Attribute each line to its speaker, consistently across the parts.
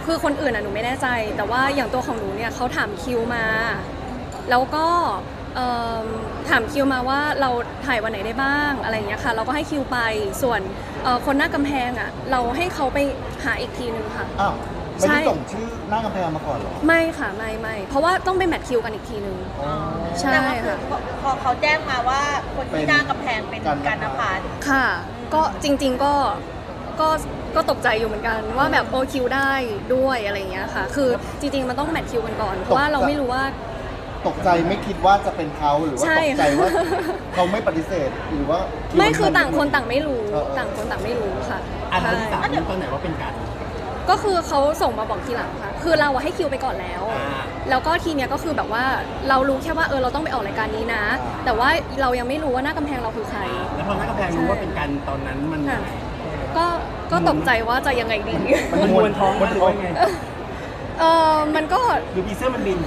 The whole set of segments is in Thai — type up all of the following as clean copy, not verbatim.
Speaker 1: คือคนอื่นหนูไม่แน่ใจแต่ว่าอย่างตัวของหนูเนี่ยเขาถามคิวมาแล้วก็ถามคิวมาว่าเราถ่ายวันไหนได้บ้างอะไรอย่างเงี้ยค่ะเราก็ให้คิวไปส่วนคนหน้ากำแพงอ่ะเราให้เขาไปหาอีกทีนึงค่ะ
Speaker 2: อ้าวไม่ได้ส่งชื่อหน้ากำแพงมาก่อนเหรอ
Speaker 1: ไม่ค่ะไม่เพราะว่าต้องไปแมทคิวกันอีกทีนึงใช่ค่ะ
Speaker 3: พอเขาแจ้งมาว่าคนที่หน้ากำแพงเป็นกันนภัส
Speaker 1: ค่ะก็จริงๆก็ตกใจอยู่เหมือนกันว่าแบบโอคิวได้ด้วยอะไรอย่างเงี้ยค่ะคือจริงๆมันต้องแมทคิวกันก่อนเพราะว่าเราไม่รู้ว่า
Speaker 2: ตกใจไม่คิดว่าจะเป็นเขาหรือว่าตกใจว่าเขาไม่ปฏิเสธหรือว่า
Speaker 1: ไม่คือต่างคนต่างไม่รู้ต่างคนต่างไม่รู้ค่ะ
Speaker 4: อันที่3รู้ตอนไหนว่าเป็นกัน
Speaker 1: ก็คือเขาส่งมาบอกทีหลังค่ะคือเราให้คิวไปก่อนแล้วแล้วก็ทีเนี้ยก็คือแบบว่าเรารู้แค่ว่าเราต้องไปออกรายการนี้นะแต่ว่าเรายังไม่รู้ว่าหน้ากำแพงเราคือใคร
Speaker 4: แล้วพอหน้ากำแพงรู้ว่าเป็นกันตอนนั้นมัน
Speaker 1: ก็ตกใจว่าจะยังไงดี
Speaker 4: มันมวนท้องมันร้อยไง
Speaker 1: มันก็
Speaker 4: ดูพีเซอร์มันบิน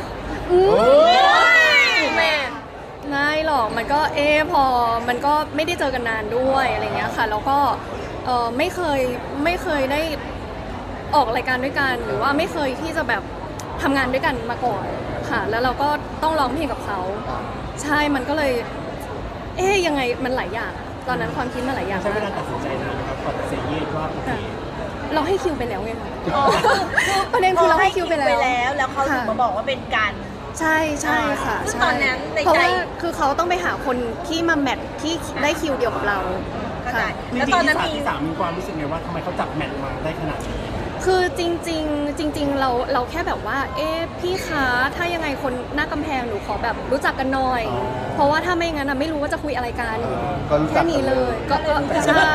Speaker 1: แม่ไม่หรอกมันก็พอมันก็ไม่ได้เจอกันนานด้วยอะไรเงี้ยค่ะแล้วก็ไม่เคยได้ออกรายการด้วยกันหรือว่าไม่เคยที่จะแบบทำงานด้วยกันมาก่อนค่ะแล้วเราก็ต้องร้องเพลงกับเขาใช่มันก็เลยยังไงมันหลายอย่างตอนนั้นความคิดมันหลายอย่าง
Speaker 4: ใช้เวลาตัดสินใจนะครับก่อนจะเซเยสว่าโอเค
Speaker 1: เราให้คิวไปแล้วไงประเด็นคือเราให้คิวไปแล้ว
Speaker 3: แล้วเขาถึงมาบอกว่าเป็นกัน
Speaker 1: ใช่ค่ะ
Speaker 3: ซึ่งตอนนั้น
Speaker 1: เพราะว่าคือเขาต้องไปหาคนที่มาแมทที่ได้คิวเดียวกับเรา
Speaker 3: ค่ะ
Speaker 4: แล้วตอนนั้นที่3มีความรู้สึกไงว่าทำไมเขาจับแมทมาได้ขนาดนี้
Speaker 1: คือจริงเราแค่แบบว่าพี่คะถ้ายังไงคนหน้ากำแพงหนูขอแบบรู้จักกันหน่อยเพราะว่าถ้าไม่งั้นไม่รู้ว่าจะคุยอะไรกันแค่นี้เลยก็ใช่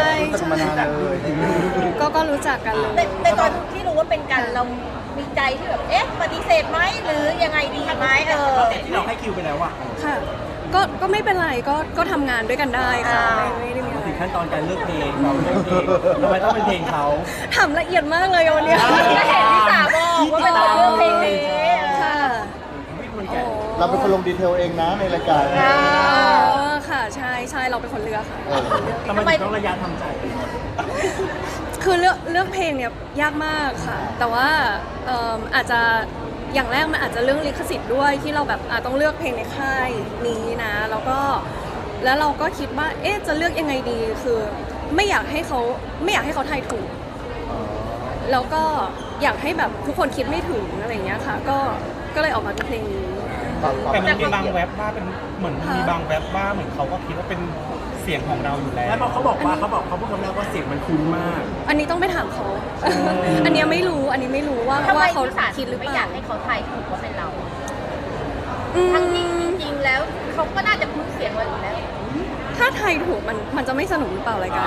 Speaker 1: ก็รู้จักกันเลย
Speaker 3: แต่ตอนที่รู้ว่าเป็นกันเรามีใจที่แบบปฏิเสธไหมหรือยังไงดีไหม
Speaker 4: แต่ที่เราให้คิวไปแล้วอะ
Speaker 1: ค่ะก็ไม่เป็นไรก็ทำงานด้วยกันได้ค่ะไม่ได้มีอะไร
Speaker 4: ถึงขั้นตอนการเลือกเพลงเราเลือกเพลงทำไมต้องเป็นเพลงเขา
Speaker 1: ทำละเอียดมากเลยวันนี้
Speaker 3: ก็เห็นพี่สาวบอกว่าเป็นคนเลือกเพลงนี้
Speaker 1: ค่ะ
Speaker 2: เราเป็นคนลงดีเทลเองนะในรายการ
Speaker 1: ค่ะใช่เราเป็นคนเลือกค่ะ
Speaker 4: ทำไมต้องระยะทำใจ
Speaker 1: คือเลือกเพลงเนี่ยยากมากค่ะแต่ว่าอาจจะอย่างแรกมันอาจจะเรื่องลิขสิทธิ์ด้วยที่เราแบบต้องเลือกเพลงในค่ายนี้นะแล้วเราก็คิดว่าจะเลือกยังไงดีคือไม่อยากให้เขาทายถูกแล้วก็อยากให้แบบทุกคนคิดไม่ถึงอะไรอย่างเงี้ยค่ะก็เลยออกมาเป็นเพลงนี้
Speaker 5: แต่มันมีบางแว็บว่าเป็นเหมือนมีบางแว็บว่าเหมือนเขาก็คิดว่าเป็นเสียงของเราอยู่แล้ว
Speaker 4: แล้วเขาบอกว่าเขาพูดคำแรกว่าเสียงมันคุ้นมาก
Speaker 1: อันนี้ต้องไปถามเขาอันนี้ไม่รู้ว่าเขาคิดหรือเปล่า
Speaker 3: ไม่อยากให้เขาทายถูกว่าเป็นเราทั้งจริงแล้วเขาก็น่าจะคุ้นเสียงเราอยู่แล้ว
Speaker 1: ถ้าทายถูกมันจะไม่สนุกหรือเปล่ารายการ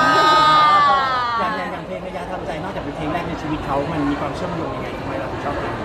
Speaker 4: อย่างเพลงระยะทำใจนอกจากเป็นเพลงแรกในชีวิตเขามันมีความเชื่อมโยงยังไงทำไมเราถึงชอบเพลงนี้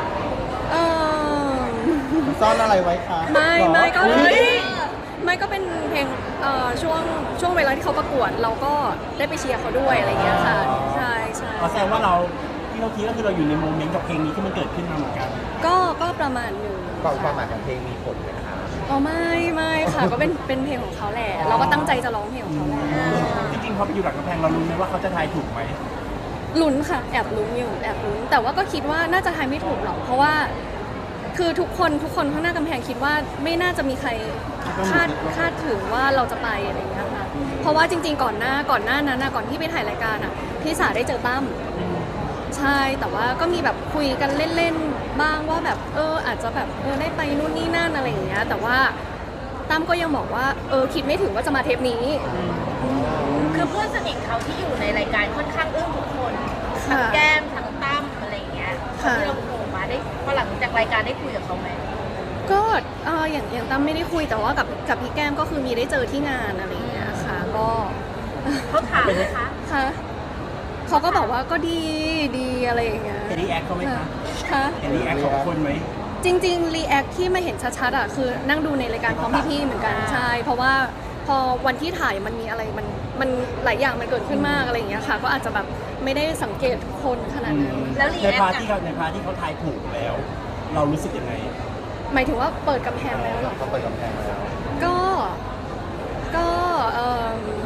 Speaker 2: ซ่อนอะไรไว้คะ
Speaker 1: ไม่ก็เป็นเพลงช่วงเวลาที่เขาประกวดเราก็ได้ไปเชียร์เขาด้วยอะไรอย่างเงี้ยค่ะใช่
Speaker 4: แสดงว่าที่เราคิดก็คือเราอยู่ในโมเมนต์กับเพลงนี้ที่มันเกิดขึ้นมาเหมือนกัน
Speaker 1: ก็ประมาณนึง
Speaker 2: ความหมายของเพลงมีผลไหมคะ
Speaker 1: ไม่ค่ะก็เป็นเพลงของเขาแหละเราก็ตั้งใจจะร้องเพลงของเขาแหละ
Speaker 4: จริงๆพอไปอยู่หลังกำแพงเรารู้ไหมว่าเขาจะทายถูกไหม
Speaker 1: ลุ้นค่ะแอบลุ้นแต่ว่าก็คิดว่าน่าจะทายไม่ถูกหรอกเพราะว่าคือทุกคนข้างหน้ากำแพงคิดว่าไม่น่าจะมีใครคาดถึงว่าเราจะไปอะไรอย่างเงี้ยค่ะเพราะว่าจริงๆก่อนหน้านั้นก่อนที่ไปถ่ายรายการพี่สาได้เจอตั้มใช่แต่ว่าก็มีแบบคุยกันเล่นๆบ้างว่าแบบอาจจะแบบได้ไปนู่นนี่นั่นอะไรอย่างเงี้ยแต่ว่าตั้มก็ยังบอกว่าคิดไม่ถึงว่าจะมาเทปนี้
Speaker 3: คือเพื่อนสนิทเขาที่อยู่ในรายการค่อนข้างอึ้งทุกคนทั้งแก้มทั้งตั้มอะไรอย่างเงี้ยที่เราโผล่มาได้พอหลังจากรายการได้คุยกับเขาไหม
Speaker 1: ก็อย่างตั้มไม่ได้คุยแต่ว่ากับพี่แก้มก็คือมีได้เจอที่งานอะไรอย่างเงี้ยค่ะก็
Speaker 3: เขาถามไหมคะ
Speaker 1: ค่ะเขาก็บอกว่าก็ดีอะไรอย่างเงี้ย
Speaker 4: รีแอคเขาไหมคะรีแอคของคนไหม
Speaker 1: จริงรีแอคที่มาเห็นชัดๆคือนั่งดูในรายการพร้อมพี่ๆเหมือนกันใช่เพราะว่าพอวันที่ถ่ายมันมีอะไรมันหลายอย่างมันเกิดขึ้นมากอะไรอย่างเงี้ยค่ะก็อาจจะแบบไม่ได้สังเกตคนขนาดนั้น
Speaker 3: แล้ว
Speaker 4: ในพาร์ทที่เขาทายถูกแล้ว เรารู้สึกยังไง
Speaker 1: หมายถึงว่าเปิดกำแพงแล้วหรอ
Speaker 2: เขาเปิดกำแพงแล้ว
Speaker 1: ก็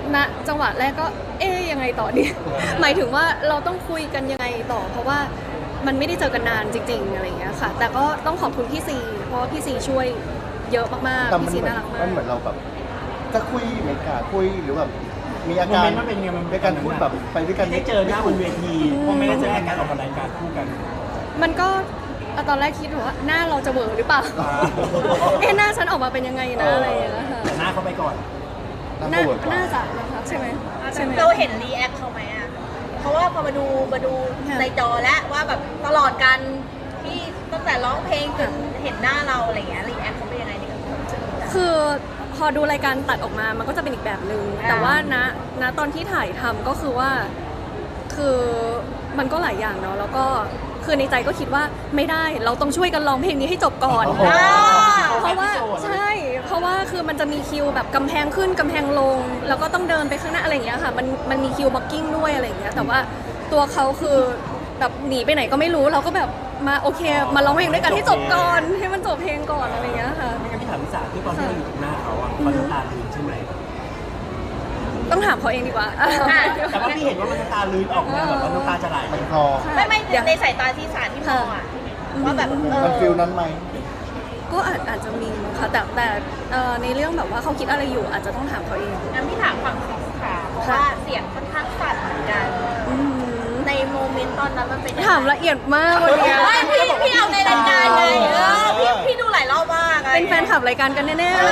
Speaker 1: ณจังหวะแรกก็ยังไงต่อดี หมายถึงว่าเราต้องคุยกันยังไงต่อ เพราะว่ามันไม่ได้เจอกันนานจริงๆอะไรอย่างเงี้ยค่ะ แต่ก็ต้องขอบคุณพี่ซีเพราะว่าพี่ซีช่วยเยอะมาก
Speaker 2: แต่
Speaker 1: ๆ
Speaker 2: มัน
Speaker 1: พี่ซี
Speaker 2: เหมือ
Speaker 1: น่าน รักมา
Speaker 2: มั
Speaker 1: ก
Speaker 2: นเหมือนเราแบบจะคุยไม่กล้าคุยหรือแบบมีอา
Speaker 4: โม
Speaker 2: การ
Speaker 4: เมนต์มันเป็นไงมัน
Speaker 2: ด้วยการพูดแบบไปด้วยกัน
Speaker 4: ได้เจอหน้าบนเวทีเพราะไม่ได้เจอการออกรายการคู่กัน
Speaker 1: มันก็ตอนแรกคิดว่าหน้าเราจะเวอร์หรือเปล่า หน้าฉันออกมาเป็นยังไงนะอะไรอย่างเงี้ยค่ะ
Speaker 4: แต่หน้าเขาไปก่อน
Speaker 1: หน้า
Speaker 2: เวิร์ดกว่า
Speaker 1: น่าจะนะคะใช่ไหมใช่ไหม
Speaker 3: เราเห็นรีแอคเขาไหมอ่ะ เพราะว่าพอมาดู
Speaker 1: ค่ะ
Speaker 3: ในจอแล้วว่าแบบตลอดการที่ตั้งแต่ร้องเพลงจนเห็นหน้าเราอะไรเงี้ยรีแอคเขาเป็นยังไงในกับความรู้สึกเรา
Speaker 1: คือพอดูรายการตัดออกมามันก็จะเป็นอีกแบบหนึ่งแต่ว่าณตอนที่ถ่ายทำก็คือว่าคือมันก็หลายอย่างเนาะแล้วก็คือในใจก็คิดว่าไม่ได้เราต้องช่วยกันร้องเพลงนี้ให้จบก่อน เพราะว่าใช่เพราะว่าคือมันจะมีคิวแบบกำแพงขึ้นกำแพงลง แล้วก็ต้องเดินไปข้างหน้าอะไรอย่างเงี้ยค่ะมันมีคิวบล็อกกิ้งด้วยอะไรอย่างเงี้ยแต่ว่าตัวเขาคือแบบหนีไปไหนก็ไม่รู้เราก็แบบมาโอเค มาร้องเพลงด้วยกันให้จบก่อนให้มันจบเพลงก่อนอะไรอย่างเงี้ยค่ะ
Speaker 4: ไม่งั้นพี่ถามพี่สาคือตอนที่เราอยู่ตรงหน้าเขาอะเขาน้ำตาลื้นใช่ไหม
Speaker 1: ต้องถามเขาเองดีกว่า
Speaker 4: แต่ว่าพี่เห็นว่ามันน้ำตาลื้นออกมาแบบว่าน้ำตาจะไหล
Speaker 2: มันคอ
Speaker 3: ไม่
Speaker 1: เดี๋ยว
Speaker 3: ในสายตาที่สารที่มองอ่ะว่าแบบ
Speaker 2: มันฟิลนั้นไหม
Speaker 1: ก็อาจจะมีมั้งค่ะแต่ในเรื่องแบบว่าเขาคิดอะไรอยู่อาจจะต้องถามเขาเอง
Speaker 3: งั้นพี่ถามฝั่งสิงค่ะเพราะว่าเสียงค่อนข้างสั่นเหมือนกัน
Speaker 1: อืม
Speaker 3: ในโมเมนต์ตอนนั้นมันเป็นยังไง
Speaker 1: ถามละเอียดมากวันเนี้ย
Speaker 3: ไม่พี่เอาในรายการไงพี่ดูหลายรอบมาก
Speaker 1: เป็นแฟนคลับรายการกันแน่ๆเลย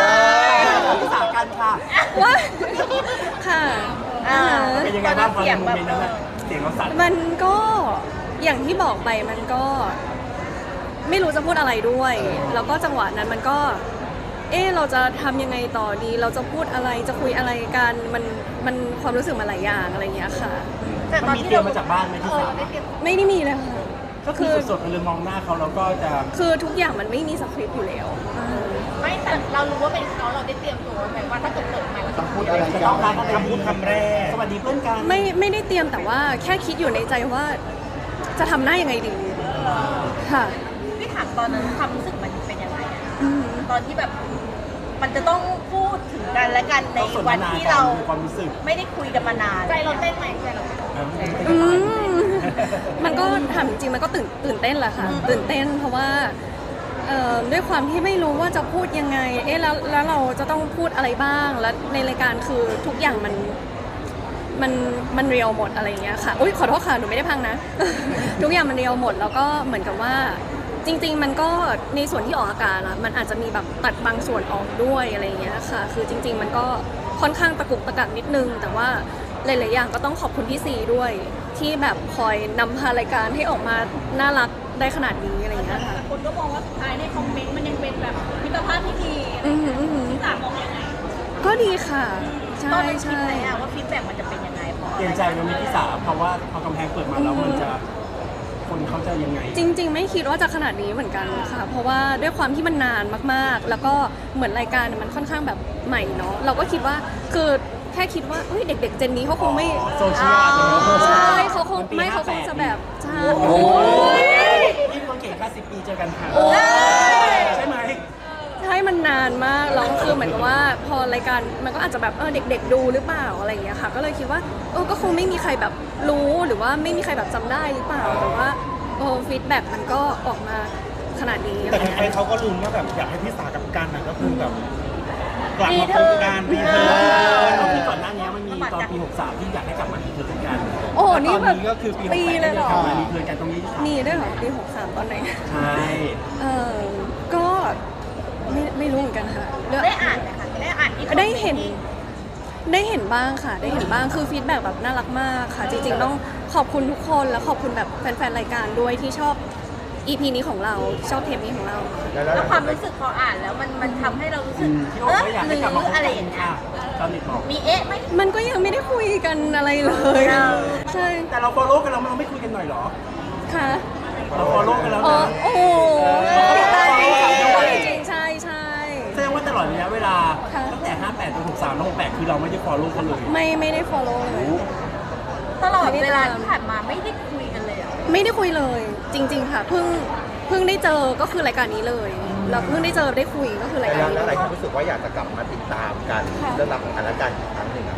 Speaker 4: พี่สากันค่ะ
Speaker 1: ว่าค่ะ
Speaker 4: เป็นยังไงบ้างพอในโมเมนต์นั้นอะเสียงเราสั่น
Speaker 1: มันก็อย่างที่บอกไปมันก็ ไม่รู้จะพูดอะไรด้วย แล้วก็จังหวะนั้นมันก็ เราจะทำยังไงต่อดี เราจะพูดอะไรจะคุยอะไรกันมันความรู้สึกมันหลายอย่างอะไรอย่างเงี้ยค่ะ
Speaker 3: แต่ต
Speaker 4: มั
Speaker 3: อน น
Speaker 4: มี
Speaker 3: ที่
Speaker 4: เตรีย
Speaker 3: เรา
Speaker 4: มมาจากบ้านไหมพี่สา
Speaker 1: ไม่ได้มีเลยค่ะ
Speaker 4: ก็คือสดๆเลยมองหน้าเขาแล้วก็จะ
Speaker 1: คือทุกอย่างมันไม่มีสคริปต์อยู่แล้ว
Speaker 3: ไม่แต่เรารู้ว่าเป็นเขาเราได้เตรียมตัวไหมว่าถ้าเกิดเปิดมาแล้ว
Speaker 2: ต้องพูดอะไร
Speaker 4: จะ
Speaker 2: กั
Speaker 4: ต้องการ
Speaker 2: น
Speaker 4: คำพูดคำแรกสวัสดีเพื่อนกัน
Speaker 1: ไม่ได้เตรียมแต่ว่าแค่คิดอยู่ในใจว่า จะทำหน้ายังไงดีค่ะ
Speaker 3: พี่ถามตอนนั้นความรู้สึกมันเป็นยังไงอะ
Speaker 1: อืม
Speaker 3: ตอนที่แบบ มันจะต้องพูดถึงกันและกันในวันที่เรา
Speaker 4: ความรู้สึก
Speaker 3: ไม่ได้คุยกันมานานใจเราเต้นไหมใจเราเต้น
Speaker 1: อืมมันก็ถามจริงๆมันก็ตื่นเต้นแหละค่ะ ตื่นเต้นเพราะว่าด้วยความที่ไม่รู้ว่าจะพูดยังไงแล้วเราจะต้องพูดอะไรบ้างแล้วในรายการคือทุกอย่างมันเรียวหมดอะไรอย่างเงี้ยค่ะอุ้ยขอโทษค่ะหนูไม่ได้พังนะ ทุกอย่างมันเรียวหมดแล้วก็เหมือนกับว่าจริงๆมันก็ในส่วนที่ออกอากาศอะมันอาจจะมีแบบตัดบางส่วนออกด้วยอะไรอย่างเงี้ยค่ะ คือจริง ๆ มันก็ค่อนข้างตะกุกตะกักนิดนึง แต่ว่าหลายๆอย่างก็ต้องขอบคุณพี่ซีด้วย ที่แบบคอยนำพารายการให้ออกมาน่ารักได้ขนาดนี้อะไรอย่างเงี้ยค่ะ
Speaker 3: คนก็มองว่าสุดท้ายในคอมเมนต์มันยังเป็นแบบมิตรภาพที่ดี
Speaker 1: อือหืออือหือ
Speaker 3: พี่สามมองยังไง
Speaker 1: ก็ดีค่ะ
Speaker 3: ต
Speaker 1: ใช่
Speaker 3: อนนั้นคิด
Speaker 1: ใช่
Speaker 3: ไหมอะว่าฟีดแบ็กมันจะเป็นยังไงพอ
Speaker 4: เปลี่ยนใจมันมีพี่สาเพราะว่าพอกำแพงเปิดมาแล้วมันจะคนเขาจะยังไง
Speaker 1: จริง ๆ ไม่คิดว่าจะขนาดนี้เหมือนกันค่ะ เพราะว่าด้วยความที่มันนานมากๆ แล้วก็เหมือนรายการมันค่อนข้างแบบใหม่เนาะเราก็คิดว่าคือแค่คิดว่าเฮ้ยเด็ก ๆ เจนนี้เขาคงไม่
Speaker 4: โซเชียลอาจจะไม่
Speaker 1: ใช่เขาคง
Speaker 4: มันปี
Speaker 1: ไม่เขาคง
Speaker 4: 58
Speaker 1: จะแบบใช่
Speaker 2: โอ้ย
Speaker 4: นี่คนเก่งแค่10 ปีเจอกันค่ะใช่ไหม
Speaker 1: ใช่มันนานมากแล้วคือเหมือนกับว่าพอรายการมันก็อาจจะแบบเด็ก ๆ ดูหรือเปล่าอะไรอย่างเงี้ยค่ะ ก็เลยคิดว่าก็คงไม่มีใครแบบรู้หรือว่าไม่มีใครแบบจำได้หรือเปล่าแต่ว่าฟีดแบ็กมันก็ออกมาขนาดนี้
Speaker 5: แต่ใครๆเขาก็ลุ้นว่าแบบอยากให้พี่สากับกันน่ะก็คือแบบกลับมาพบกันรีเทิร์น
Speaker 4: ที่ก่อนหน้านี้มันมีตอนปี 63 ที่อยากให้กลับมารีเทิร์นกัน
Speaker 1: โอ้โหนี่
Speaker 4: ตอน
Speaker 1: แบบ
Speaker 4: นี้ก็คือปี
Speaker 1: ปี
Speaker 4: 68
Speaker 1: เลยเหรอ
Speaker 4: กลับมารีเทิร์นกันตรงนี้
Speaker 1: มีด้วยเหรอปี63ตอนไหน
Speaker 4: ใช่
Speaker 1: ก็ไม่รู้เหมือนกันค่ะเรื่อง
Speaker 3: ได้อ่านไหมคะได้อ่านที่คอมม
Speaker 1: ได้
Speaker 3: นต์
Speaker 1: เห็นบ้างค่ะ ได้เห็นบ้างคือฟีดแบ็กแบบน่ารักมากค่ะ จริงๆต้องขอบคุณทุกคนแล้วขอบคุณแบบแฟนๆรายการด้วยที่ชอบ EP นี้ของเราชอบเทปนี้ของเรา
Speaker 3: แล้วความรู้สึกพออ่านแล้วมันทำให้เรารู้สึก
Speaker 4: พี่โอ๊ตก็อยาก
Speaker 3: ห
Speaker 4: ให้
Speaker 3: รื
Speaker 4: กลับมาพบ
Speaker 3: อะไร
Speaker 4: กั
Speaker 3: อย่าง
Speaker 4: น
Speaker 3: เงี้ย
Speaker 4: ค่ะตอนเน็ตบอก
Speaker 3: มีเอ๊ะไหม
Speaker 1: มันก็ยังไม่ได้คุยกันอะไรเลย ใช่
Speaker 4: แต่เรา follow กันแล้วเราไม่คุยกันหน่อยเหรอ
Speaker 1: ค่ะ
Speaker 4: เรา follow กันแล้ว
Speaker 1: อ๋อ
Speaker 4: นะ
Speaker 1: โอ้โห
Speaker 4: ติดตามด้วย
Speaker 1: จริงๆใช่ใช่
Speaker 4: แสดงว่าตลอดระยะเวลา
Speaker 1: ค่ะ
Speaker 4: ตั้งแต่ 58จน63แล้ว68คือเราไม่ได้ follow กันเลย
Speaker 1: ไม่ได้ follow เลย
Speaker 3: ตลอดเวลาที่ผ่านมาไม่ได้คุยกันเลยเหรอ
Speaker 1: ไม่ได้คุยเลย จริง ๆ ค่ะเพิ่งได้เจอก็คือรายการนี้เลยแล้วเพิ่งได้เจอได้คุยก็คือรายการนี้
Speaker 2: แล้วห
Speaker 1: เล
Speaker 2: ลาย
Speaker 1: ย
Speaker 2: คนรู้สึกว่าอยากจะกลับมาติดตามกัน
Speaker 1: ค่ะ
Speaker 2: เรื่องราวของกันและกันอีกครั้งหนึ่งอะครับ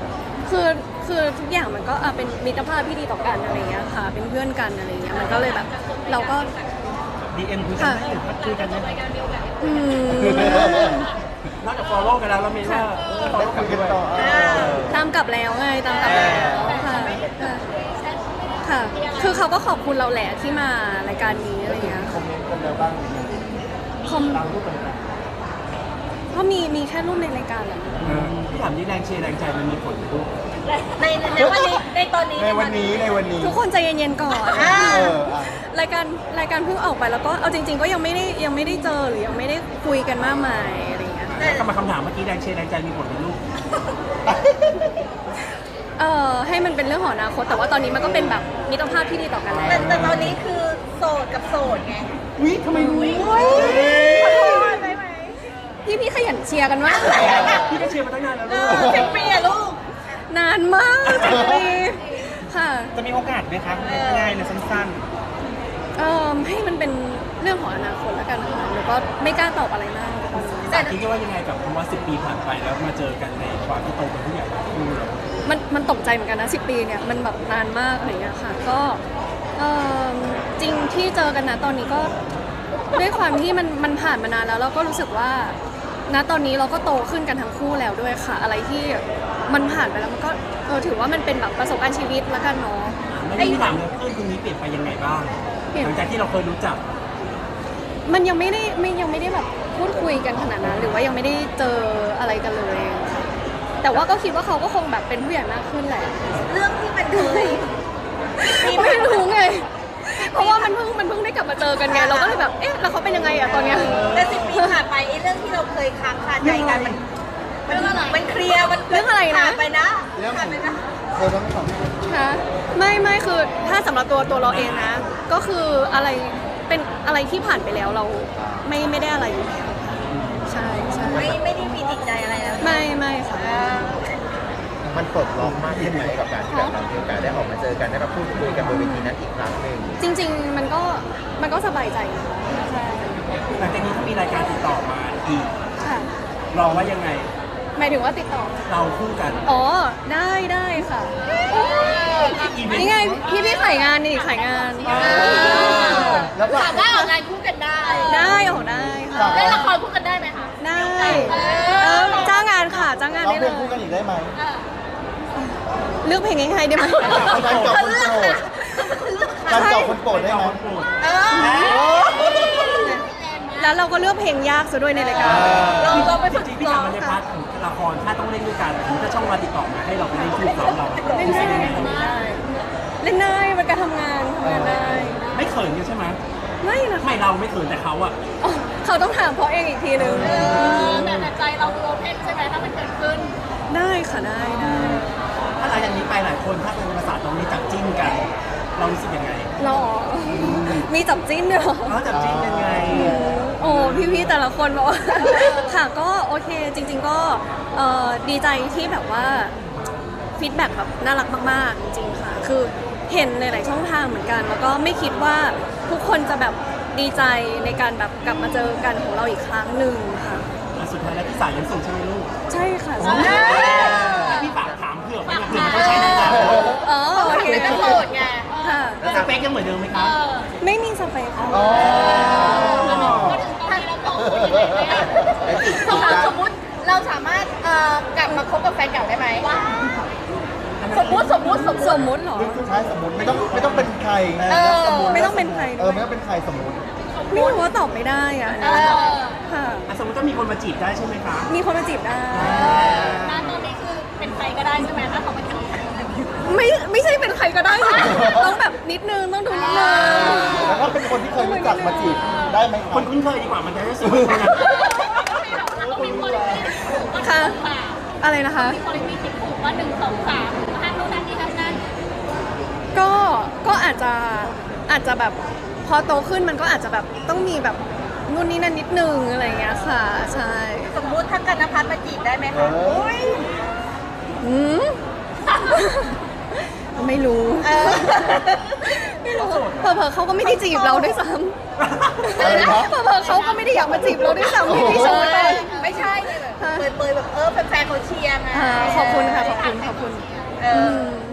Speaker 1: คือคือทุกอย่างมันก็เป็นมิตรภาพที่ดีต่อกันอะไรเงี้ยค่ะ เป็นเพื่อนกันอะไรเงี้ยมันก็เลยแบบเราก็
Speaker 5: DM คุยกันได้หรือพักคุยกันได้ไหม
Speaker 1: อืม
Speaker 4: นอกจาก follow กันแล้วเราไม่ว่า
Speaker 2: ได้คุยกันต่อ
Speaker 1: ตามกลับแล้วไงตามกลับแล้วค่ะค่ะ คือเขาก็ขอบคุณเราแหละที่มารายการนี้อะไรเงี้ย
Speaker 2: คอมเมนต์กันแล้วบ้าง
Speaker 1: คอม
Speaker 2: ตามรูปกันไหม
Speaker 1: เพราะมีแค่รูปในรายการแหละ
Speaker 4: พี่ถามนี่แรงเชียร์แรงใจมันมีผลทุก
Speaker 3: ในวันนี้ในตอนนี้
Speaker 2: ในวันนี้
Speaker 1: ทุกคนใจเย็นๆก่อน
Speaker 3: อ่า
Speaker 1: รายการเพิ่งออกไปแล้วก็เอาจริง ๆ ก็ยังไม่ได้เจอหรือยังไม่ได้คุยกันมากมายอะไรเงี้ย
Speaker 4: กลับมาคำถามเมื่อกี้แรงเชียร์แรงใจมีผลเป็นลูก
Speaker 1: ให้มันเป็นเรื่องของอนาคตแต่ว่าตอนนี้มันก็เป็นแบบมิตรภาพที่ดีต่อกันแล้ว
Speaker 3: แต่ตอนนี้คือโสดกับโสดไง
Speaker 2: วิทำไมรู้
Speaker 3: ขอโทษได้ไหม
Speaker 1: พี่ขยันเชียร์กันมาก
Speaker 4: พี่ก็เชียร์มาตั้งนานแล้ว
Speaker 3: เอ
Speaker 4: ลูก
Speaker 3: อ10 ปีอะลูก
Speaker 1: นานมาก10 ปีค่ะ
Speaker 5: จะมีโอกาสไหมคะง่ายๆเลยสั้น
Speaker 1: ให้มันเป็นเรื่องของอนาคตแล้วกันค่ะแล้วก็ไม่กล้าตอบอะไรมากตอนนี้
Speaker 4: แต่คิดว่ายังไงกับคำว่า10 ปีผ่านไปแล้วมาเจอกันในความที่โตเป็นผู้ใหญ่ทั้งคู่เลย
Speaker 1: มันตกใจเหมือนกันนะ10 ปีเนี่ยมันแบบนานมากอะไรเงี้ยค่ะก็จริงที่เจอกันนะตอนนี้ก็ด้วยความที่มันผ่านมานานแล้วเราก็รู้สึกว่าณตอนนี้เราก็โตขึ้นกันทั้งคู่แล้วด้วยค่ะ อะไรที่มันผ่านไปแล้วมันก็ถือว่ามันเป็นแบบประสบการณ์ชีวิตแล้วกันเนาะ
Speaker 4: ไม่ได้ถามเลยเพื่อนคนนี้เปลี่ยนไปยังไงบ้างหลังจากที่เราเคยรู้จัก
Speaker 1: มันยังไม่ได้แบบพูดคุยกันขนาดนั้นหรือว่ายังไม่ได้เจออะไรกันเลยค่ะแต่ว่าก็คิดว่าเขาก็คงแบบเป็นผู้ใหญ่มากขึ้นแหละ
Speaker 3: เรื่องที่มันเคย
Speaker 1: ไม่รู้ไง เพราะว่ามันเพิ่งได้กลับมาเจอกันไงเราก็เลยแบบเอ๊ะแล้วเขาเป็นยังไงอะตอนเนี้ย
Speaker 3: แต่10 ปีผ่านไปไอ้เรื่องที่เราเคยค้างคาใจกันมันเคลียร์มัน
Speaker 1: เรื่องอะไรนะ
Speaker 3: ผ่านไปนะผ่านไปนะ
Speaker 2: เธอต้องสอง
Speaker 1: คะไม่คือถ้าสำหรับตัวเราเองนะ ก็คืออะไรเป็นอะไรที่ผ่านไปแล้วเราไม่ได้อะไรอยู่แล้วค่ะใช่
Speaker 3: ไม่ได้มีติดใจอะไรแล้ว
Speaker 1: ไม่ค่ะ
Speaker 2: มันปลดล็อกมากขึ้นไหมกับการที่แบบเรามีโอกาสได้ออกมาเจอกันได้มาพูดคุยกันบนเวทีนั้นอีกครั้งหนึ่ง
Speaker 1: จริง ๆ มันก็สบายใจนะคะใช่
Speaker 4: หลังจากนี้ถ้ามีรายการติดต่อมาอีก
Speaker 1: ค่ะ
Speaker 4: เราว่ายังไง
Speaker 1: หมายถึงว่าติดต่อ
Speaker 4: เราคู่กัน
Speaker 1: อ๋อได้ค่ะ
Speaker 4: อีเวนต์
Speaker 1: นี่ไงพี่ขายงานนี่ขายงาน
Speaker 2: แล้วก็
Speaker 3: ถามว่าออกงานคู่กันได้
Speaker 1: ได้ออกได้ค่ะ
Speaker 3: เล่นละครคู่กันได้ไหมคะ
Speaker 1: ได้จ้างงานค่ะจ้างงาน
Speaker 2: เรา
Speaker 1: ได้เล
Speaker 2: เพลงคู่กัน
Speaker 1: ย
Speaker 2: อีกได้ไหม
Speaker 1: เลือกเพลงง่ายๆได้ไหม
Speaker 2: การเจาะคนโปรดการเจาะคนโปรดได้ไหม
Speaker 3: เออ
Speaker 1: แล้วเราก็เลือกเพลงยากซะด้วยในรายการ
Speaker 3: เราไป
Speaker 4: จ
Speaker 3: ฝึก
Speaker 4: ริงๆพี่
Speaker 3: ร้อ
Speaker 4: ถาม
Speaker 3: ง
Speaker 4: มาใน
Speaker 3: ค่ะ
Speaker 4: พาร์ทของละครถ้าต้องเล่นด้วยกันถ้าช่องมาติดต่อมาให้เราไปเล่นคู่เขาเรา
Speaker 1: เล่นได้เล่นได้เป็นการทำงานได้
Speaker 4: ไม่เขินกันใช่ไหม
Speaker 1: ไม่นะ
Speaker 4: ไม่เราไม่เขินแต่เขาอะ
Speaker 1: อ๋อเขาต้องถามเพราะเองอีกทีนึง
Speaker 3: แต่ใจเราโอเพนใช่ไหมถ้ามันเกิดขึ้น
Speaker 1: ได้ค่ะได้
Speaker 4: ถ้าหลังจากนี้ไปหลายคนถ้าเป็นภาษาตรงนี้จับจิ้นกัน เรารู้สึกยังไง
Speaker 1: หรอมีจับจิ้นด้วยเหรอ
Speaker 4: เราจับจิ้นยังไง
Speaker 1: โอ้พี่ๆแต่ละคนบอกว่า ค่ะก็โอเคจริง ๆก็ดีใจที่แบบว่าฟีดแบ็กแบบน่ารักมากๆจริงๆค่ะ คือเห็นในหลายช่องทางเหมือนกัน แล้วก็ไม่คิดว่าทุกคนจะแบบดีใจในการแบบกลับมาเจอกันของเราอีกครั้งหนึ่งค่ะ
Speaker 4: สุดท้ายแล้วพี่สายยังส่งใช่ไหมลูก
Speaker 1: ใช่ค่ะ
Speaker 4: พี่ฝากถามเผื่อไว้นะเผื่อมันต้องใช้ในงาน
Speaker 1: อ๋อโอเค
Speaker 3: เป็นโสดไง
Speaker 1: ค่ะ
Speaker 4: แล้วสเปคยังเหมือนเดิมไหมครับ
Speaker 1: ไม่มีสเปคค่ะ
Speaker 2: อ๋อ
Speaker 3: สมมติเราสามารถกลับมาคบกับแฟนเก่าได้ไหมสมมติ
Speaker 1: สมมุติเหรอ
Speaker 2: ใช่สมมติไม่ต้องเป็นใคร
Speaker 1: ไม่ต้องเป็นใครด้วย
Speaker 2: ไม่ต้องเป็นใครสมมติ
Speaker 1: ไม่รู้ว่าตอบไม่ได้อ่ะค่ะ
Speaker 4: สมมติถ้ามีคนมาจีบได้ใช่ไหมคะ
Speaker 1: มีคนมาจีบได้
Speaker 3: ตอนนี้คือเป็นใครก็ได้ใช่ไหมถ้าเขามาจีบ
Speaker 1: ไม่ใช่เป็นใครก็ได้ค่ะต้องแบบนิดนึงต้องดูนิดนึง
Speaker 2: แล้วก็เป็นคนที่เคยรู้จักมาจีบได้ไหมค
Speaker 4: ครับ นคุ้นเคยดีกว่ามันจะได้สวยกว่า
Speaker 1: ค่ะอะไรนะคะ
Speaker 3: คนมีสิบผูกว่า1 2 3ห้ามรู้นั้นนี่ทั้งนั้น
Speaker 1: ก็อาจจะแบบพอโตขึ้นมันก็อาจจะแบบต้องมีแบบนู่นนี่นั่นนิดนึงอะไรอย่างเงี้ยค่ะใช่
Speaker 3: สมมุติถ้ากันนภัสมาจีบได้ไหมคะ
Speaker 1: อืม ไม่รู้ไม่รู้เผลอๆเขาก็ไม่ได้จีบเราด้วยซ้ำเผลอๆเขาก็ไม่ได้อยากมาจีบเราด้วยซ้ำพี่ชมไป
Speaker 3: ไม่ใช่เลยแบบเปยๆแบบแฟนๆเขาเชียร์ไง
Speaker 1: ขอบคุณค่ะขอบคุณ
Speaker 3: เออ
Speaker 1: ม